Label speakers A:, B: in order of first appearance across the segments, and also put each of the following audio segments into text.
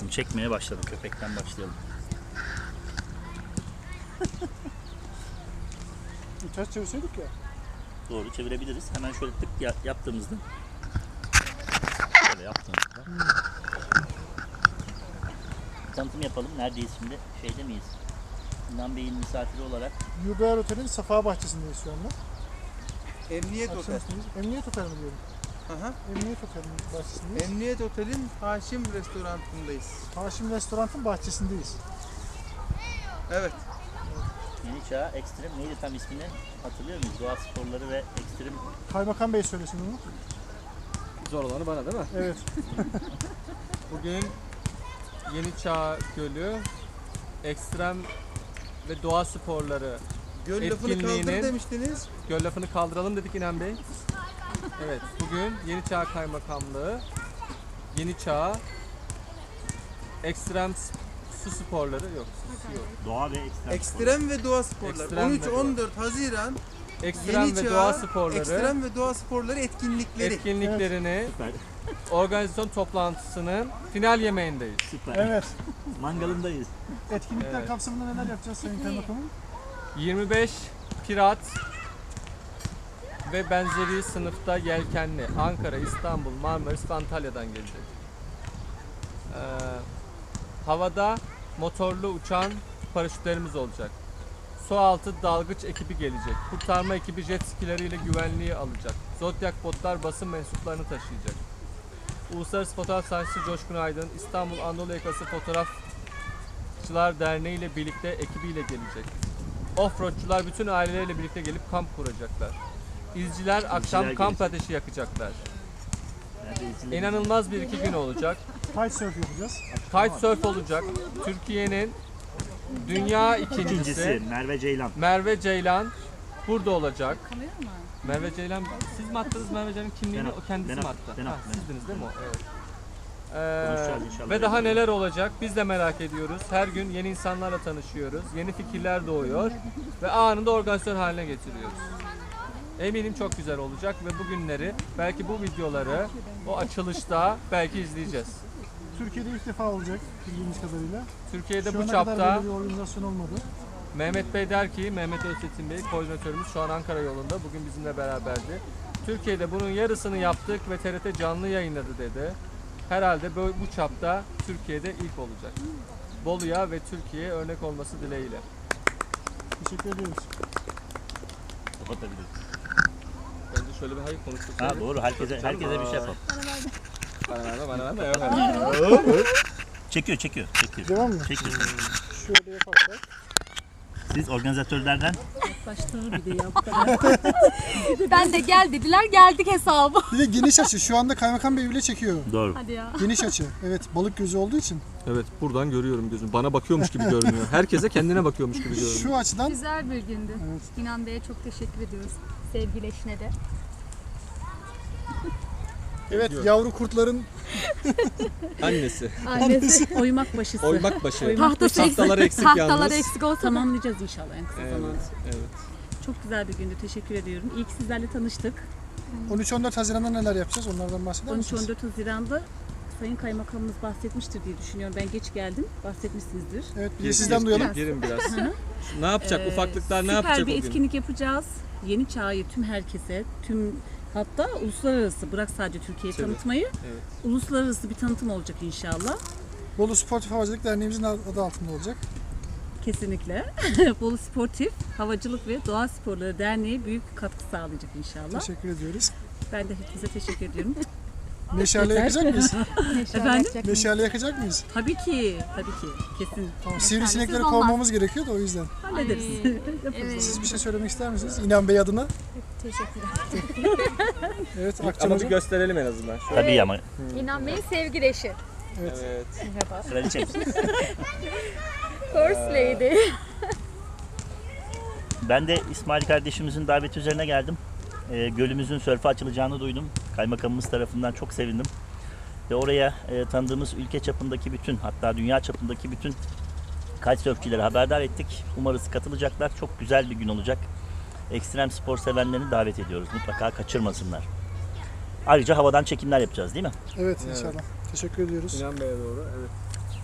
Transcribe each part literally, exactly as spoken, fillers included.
A: başlattım. Çekmeye başladım. Köpekten başlayalım.
B: Ters çevirseydik ya.
A: Doğru çevirebiliriz. Hemen şöyle tık ya- yaptığımızda. Şöyle yaptığımızda. Hmm. Tanıtım yapalım. Neredeyiz şimdi? Şeyde miyiz? İnan Bey'in misafiri olarak.
B: Yurdaer Otel'in Safa Bahçesi'ndeyiz şu anda.
C: Emniyet Otel.
B: Akşamüstüyüz. Emniyet Otel mi diyorum?
C: Aha.
B: Emniyet Otel'in bahçesindeyiz.
C: Emniyet Otel'in Haşim Restoranı'ndayız.
B: Haşim Restoran'ın bahçesindeyiz.
C: Evet.
A: Yeni Çağ Ekstrem neydi tam ismini hatırlıyor muyuz? Doğa sporları ve ekstrem.
B: Kaymakam Bey söylesin onu.
D: Zor olanı bana değil mi?
B: Evet.
D: Bugün Yeni Çağ Gölü, ekstrem ve doğa sporları
C: Göl lafını kaldır
D: etkinliğinin-
C: demiştiniz.
D: göl lafını kaldıralım dedik İnan Bey. Evet, bugün Yeni Çağ Kaymakamlığı, Yeni Çağ Ekstrem s- su sporları yok. su yok.
A: Doğa ve ekstrem.
C: Ekstrem ve doğa sporları.
D: Ekstrem
C: on
D: ve
C: üç
D: doğa.
C: on dört Haziran
D: Ekstrem
C: Yeni
D: ve
C: Çağ
D: doğa sporları
C: Ekstrem ve doğa sporları etkinlikleri.
D: etkinliklerini
A: Süper.
D: organizasyon toplantısının final yemeğindeyiz.
A: Süper.
B: Evet.
A: Mangalındayız.
B: Etkinlikler
D: Evet.
B: kapsamında neler yapacağız Sayın Kaymakamım?
D: yirmi beş pirat ve benzeri sınıfta yelkenli Ankara, İstanbul, Marmaris ve Antalya'dan gelecek. Ee, havada motorlu uçan paraşütlerimiz olacak. Su altı dalgıç ekibi gelecek. Kurtarma ekibi jet skileriyle güvenliği alacak. Zodyak botlar basın mensuplarını taşıyacak. Uluslararası Fotoğraf Sanatçısı Coşkun Aydın, İstanbul Anadolu Yakası Fotoğrafçılar Derneği ile birlikte ekibiyle gelecek. Offroadçular bütün aileleriyle birlikte gelip kamp kuracaklar. İzciler akşam kamp
A: gelecek.
D: ateşi yakacaklar.
A: Nerede izleyelim?
D: İnanılmaz bir iki gün olacak.
B: Kitesurf yapacağız.
D: Kitesurf olacak. Türkiye'nin dünya ikincisi
A: İkincisi Merve Ceylan.
D: Merve Ceylan burada olacak. Merve Ceylan, siz mi attınız Merve Ceylan'ın kimliğini?
A: Ben
D: O
A: attım,
D: kendisi
A: ben
D: mi
A: attım,
D: attı?
A: ben
D: Ha,
A: attım.
D: sizdiniz değil mi o? Evet.
A: Konuşacağız
D: Ee,
A: inşallah.
D: ve daha
A: yayında.
D: neler olacak biz de merak ediyoruz. Her gün yeni insanlarla tanışıyoruz. Yeni fikirler doğuyor ve anında organizasyon haline getiriyoruz. Eminim çok güzel olacak ve bugünleri, belki bu videoları o açılışta belki izleyeceğiz.
B: Türkiye'de ilk defa olacak bildiğimiz kadarıyla.
D: Türkiye'de
B: Şu
D: bu
B: ana kadar
D: çapta
B: böyle bir organizasyon olmadı.
D: Mehmet Bey der ki, Mehmet Öztekin Bey, koordinatörümüz şu an Ankara yolunda, bugün bizimle beraberdi. Türkiye'de bunun yarısını yaptık ve T R T canlı yayınladı dedi. Herhalde bu, bu çapta Türkiye'de ilk olacak. Bolu'ya ve Türkiye'ye örnek olması dileğiyle.
B: Teşekkür ediyoruz.
A: Kapatabiliriz.
D: Bence şöyle bir hayır konuştuk.
A: Ha doğru. Herkese herkese bir şey yapalım.
D: Bana verme, bana verme. Yok, hayır.
A: Çekiyor, çekiyor, çekiyor.
B: Devam mı?
A: Çekiyor.
B: Şöyle yaparsak.
A: Siz organizatörlerden
E: Başları bir de yaptılar. Ben de gel dediler, geldik hesabı.
B: Bir de geniş açı. Şu anda Kaymakam Bey bile çekiyor.
A: doğru.
E: Hadi ya.
B: Geniş açı. Evet, balık gözü olduğu için.
D: Evet, buradan görüyorum gözüm. Bana bakıyormuş gibi görünüyor. Herkese kendine bakıyormuş gibi görünüyor.
B: Şu açıdan
E: Güzel bir gündü.
B: Evet.
E: İnan Bey'e çok teşekkür ediyoruz. Sevgili eşine de.
B: evet yavru kurtların
D: Annesi.
E: Annesi oymak başısı.
D: Oymak başı.
E: Tahtası eksik.
D: Tahtaları eksik
E: Tahtaları
D: yalnız.
E: eksik olsa da.
F: Tamamlayacağız inşallah en kısa
D: Evet,
F: zamanda.
D: evet.
F: Çok güzel bir gündü. Teşekkür ediyorum. İyi ki sizlerle tanıştık.
B: on üç on dört Haziran'da neler yapacağız? Onlardan bahseder
F: on üç
B: misiniz?
F: on dört Haziran'da Sayın Kaymakamımız bahsetmiştir diye düşünüyorum. Ben geç geldim. Bahsetmişsinizdir.
B: Evet, bir de
D: Gir,
B: sizden
D: gir,
B: duyalım.
D: gir, Girin biraz. ne yapacak?
F: Ee,
D: Ufaklıklar ne
F: süper
D: yapacak
F: bir
D: o gün?
F: etkinlik yapacağız. Yeni Çağ'ı tüm herkese, tüm hatta uluslararası, bırak sadece Türkiye'yi
D: Tabii.
F: tanıtmayı,
D: Evet.
F: uluslararası bir tanıtım olacak inşallah.
B: Bolu Sportif Havacılık Derneğimizin adı altında olacak.
F: Kesinlikle. Bolu Sportif Havacılık ve Doğa Sporları Derneği büyük katkı sağlayacak inşallah.
B: Teşekkür ediyoruz.
F: Ben de hepinize teşekkür ediyorum.
B: Meşale yakacak mıyız?
F: Efendim?
B: Meşale yakacak mıyız?
F: Tabii ki, tabii ki. Kesin.
B: Tamam, sivrisinekleri
E: olmaz.
B: kovmamız gerekiyor da o yüzden.
F: Hallederiz.
E: Evet.
B: Siz bir şey söylemek ister misiniz? İnan Bey adına.
E: Teşekkürler.
B: Evet,
D: Ama
B: Akçamızı.
D: bir gösterelim en azından. Şöyle.
A: Tabii ama
E: İnan Bey'in sevgili eşi.
D: Evet.
A: kraliçem.
E: First Lady.
A: Ben de İsmail kardeşimizin daveti üzerine geldim. E, gölümüzün sörfe açılacağını duydum. Kaymakamımız tarafından çok sevindim. Ve oraya e, tanıdığımız ülke çapındaki bütün, hatta dünya çapındaki bütün kitesurfçileri haberdar ettik. Umarız katılacaklar. Çok güzel bir gün olacak. Ekstrem spor sevenlerini davet ediyoruz. Mutlaka kaçırmasınlar. Ayrıca havadan çekimler yapacağız değil mi?
B: Evet, inşallah. Teşekkür ediyoruz.
D: İnan Bey'e doğru. Evet.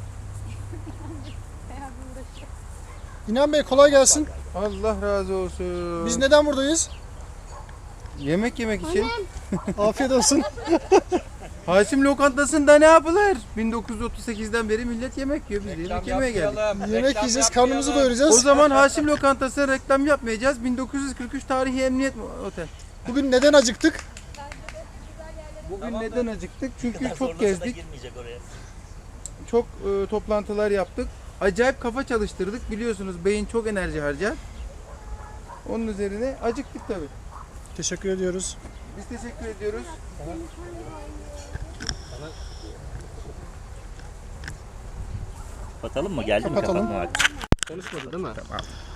B: İnan Bey kolay gelsin.
C: Allah razı olsun.
B: Biz neden buradayız?
C: Yemek yemek için.
B: Afiyet olsun.
C: Haşim lokantasında ne yapılır? bin dokuz yüz otuz sekizden beri millet yemek yiyor. Biz de yemek yemeye geldik.
B: Yemek yiyeceğiz, karnımızı
C: O
B: doyuracağız.
C: zaman Haşim Lokantası'na reklam yapmayacağız. bin dokuz yüz kırk üç tarihi emniyet otel.
B: Bugün neden acıktık?
C: Bugün neden acıktık? Çünkü
A: Daha
C: çok
A: sonrası da
C: gezdik.
A: girmeyecek oraya.
C: Çok e, toplantılar yaptık. Acayip kafa çalıştırdık. Biliyorsunuz beyin çok enerji harcar. Onun üzerine acıktık tabii.
B: Teşekkür ediyoruz.
C: Biz teşekkür ediyoruz.
A: Kapatalım mı? Geldi mi
B: Kapatalım.
A: kapatma vakti?
D: Konuşmadı değil mi?